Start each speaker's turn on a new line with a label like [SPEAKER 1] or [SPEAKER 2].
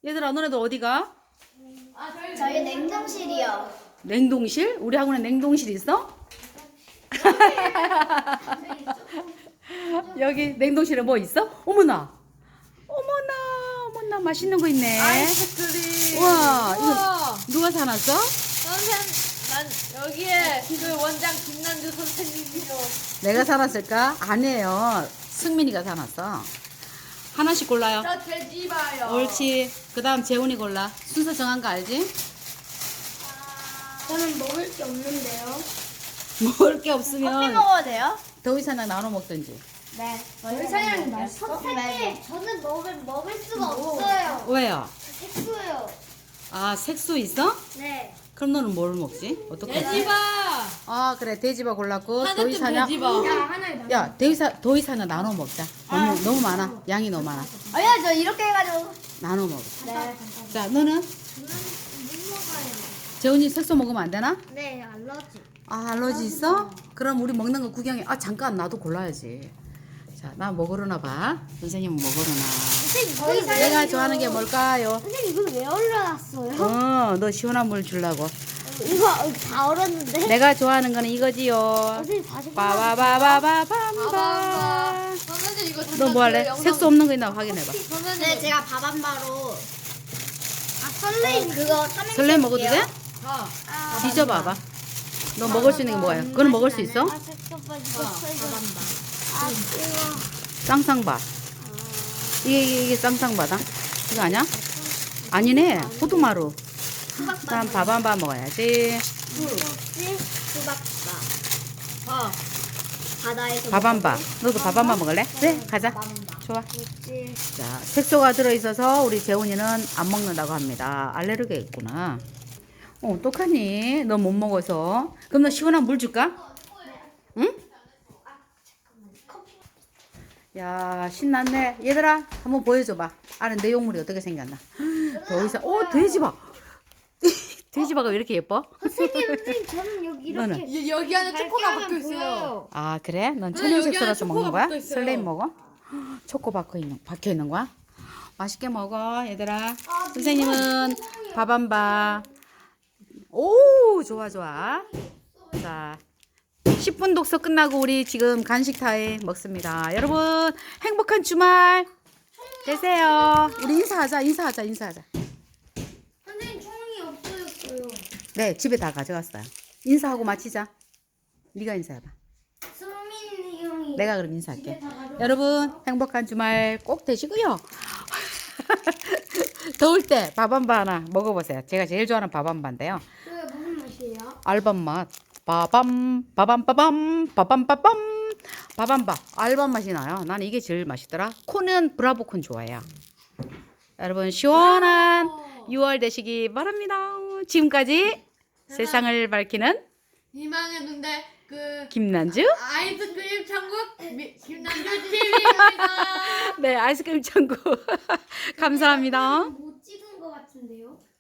[SPEAKER 1] 얘들아, 너네들 어디가?
[SPEAKER 2] 저희 냉동실이요.
[SPEAKER 1] 냉동실? 우리 학원에 냉동실 있어? 여기 냉동실에 뭐 있어? 어머나! 어머나, 맛있는 거 있네.
[SPEAKER 3] 아이스크림.
[SPEAKER 1] 우와, 이거
[SPEAKER 3] 우와.
[SPEAKER 1] 누가 사놨어?
[SPEAKER 3] 난 여기에 그 원장 김난주 선생님이요.
[SPEAKER 1] 내가 사놨을까? 아니에요. 승민이가 사놨어. 하나씩 골라요.
[SPEAKER 3] 저 돼지바요.
[SPEAKER 1] 옳지. 그 다음 재훈이 골라. 순서 정한 거 알지?
[SPEAKER 2] 저는 먹을 게 없는데요.
[SPEAKER 1] 먹을 게
[SPEAKER 2] 커피
[SPEAKER 1] 없으면
[SPEAKER 2] 먹어도 돼요?
[SPEAKER 1] 더위사랑 나눠 먹든지.
[SPEAKER 2] 네. 저희 사장님 맛있어? 선생님, 저는 먹을 수가 없어요.
[SPEAKER 1] 왜요?
[SPEAKER 2] 색소요.
[SPEAKER 1] 아, 색소 있어?
[SPEAKER 2] 네.
[SPEAKER 1] 그럼 너는 뭘 먹지? 어떻게?
[SPEAKER 3] 돼지바.
[SPEAKER 1] 아, 그래. 돼지바 골랐고
[SPEAKER 3] 하나쯤
[SPEAKER 1] 더위사냥.
[SPEAKER 3] 돼지바.
[SPEAKER 2] 하나에 나.
[SPEAKER 1] 야, 더위사냥 나눠 먹자. 너무 많아. 양이 너무 많아.
[SPEAKER 2] 아니야, 저 이렇게 해가지고.
[SPEAKER 1] 나눠 먹어.
[SPEAKER 2] 네.
[SPEAKER 1] 자, 너는?
[SPEAKER 2] 못 먹어요.
[SPEAKER 1] 재훈이 색소 먹으면 안 되나?
[SPEAKER 2] 네, 알러지.
[SPEAKER 1] 아, 알러지 있어? 그럼 우리 먹는 거 구경해. 아, 잠깐 나도 골라야지. 자, 나 먹으려나 봐. 선생님은 먹으려나.
[SPEAKER 2] 선생님,
[SPEAKER 1] 내가 좋아하는 게 뭘까요?
[SPEAKER 2] 선생님, 이걸 왜 올려놨어요?
[SPEAKER 1] 너 시원한 물 주려고.
[SPEAKER 2] 이거 다 얼었는데?
[SPEAKER 1] 내가 좋아하는 거는 이거지요.
[SPEAKER 2] 선생님, 다시
[SPEAKER 1] 빠바바바바밤바.
[SPEAKER 3] 선생님 이거
[SPEAKER 1] 너 뭐 할래? 색소 없는 거 있나 확인해봐.
[SPEAKER 2] 네, 제가 밥한바로. 설레임 그거 삼행시
[SPEAKER 1] 설레 먹어도 돼?
[SPEAKER 2] 해볼게요.
[SPEAKER 1] 뒤져봐봐. 너 먹을 수 있는 게 뭐야? 그건 먹을 수 있어?
[SPEAKER 2] 이거.
[SPEAKER 1] 쌍쌍밥. 이게 쌍쌍바다? 이거 아니야? 아니네. 호두마루. 그럼 밥 한 밥 먹어야지.
[SPEAKER 2] 수박밥. 바다에서.
[SPEAKER 1] 밥 한 밥. 너도 밥 한 밥 먹을래? 그래, 가자. 좋아. 자, 색소가 들어있어서 우리 재훈이는 안 먹는다고 합니다. 알레르기가 있구나. 어떡하니? 너 못 먹어서. 그럼 너 시원한 물 줄까? 응? 야, 신났네. 얘들아, 한번 보여줘봐. 안에 내용물이 어떻게 생겼나. 더 이상, 돼지바. 돼지바가 왜 이렇게 예뻐?
[SPEAKER 2] 선생님, 저는 여기
[SPEAKER 1] 너는?
[SPEAKER 3] 여기 안에 초코가 박혀 있어요.
[SPEAKER 1] 아, 그래? 넌
[SPEAKER 3] 여기
[SPEAKER 1] 천연색소라서
[SPEAKER 3] 안에
[SPEAKER 1] 먹는
[SPEAKER 3] 초코가
[SPEAKER 1] 거야?
[SPEAKER 3] 박혀 있어요.
[SPEAKER 1] 설레임 먹어? 초코 박혀 있는 거야? 맛있게 먹어, 얘들아. 선생님은 밥 한 밥. 오, 좋아. 자, 10분 독서 끝나고 우리 지금 간식 타임 먹습니다. 여러분, 행복한 주말 되세요. 우리 인사하자.
[SPEAKER 2] 선생님, 총이 없어졌어요.
[SPEAKER 1] 네, 집에 다 가져갔어요. 인사하고 마치자. 네가 인사해봐.
[SPEAKER 2] 수민 형이.
[SPEAKER 1] 내가 그럼 인사할게. 여러분, 행복한 주말 꼭 되시고요. 더울 때 밥 한 바 하나 먹어보세요. 제가 제일 좋아하는 밥 한 바인데요.
[SPEAKER 2] 그게 무슨 맛이에요?
[SPEAKER 1] 알밤 맛. 빠밤 밥. 알밤 맛이 나요. 나는 이게 제일 맛있더라. 콘은 브라보콘 좋아해요. 여러분, 시원한 6월 되시기 바랍니다. 지금까지 세상을 밝히는
[SPEAKER 3] 희망했는데 그
[SPEAKER 1] 김난주.
[SPEAKER 3] 아이스크림 천국 김난주 TV입니다.
[SPEAKER 1] 네, 아이스크림 천국. 감사합니다.
[SPEAKER 2] 못 찍은 것 같은데요?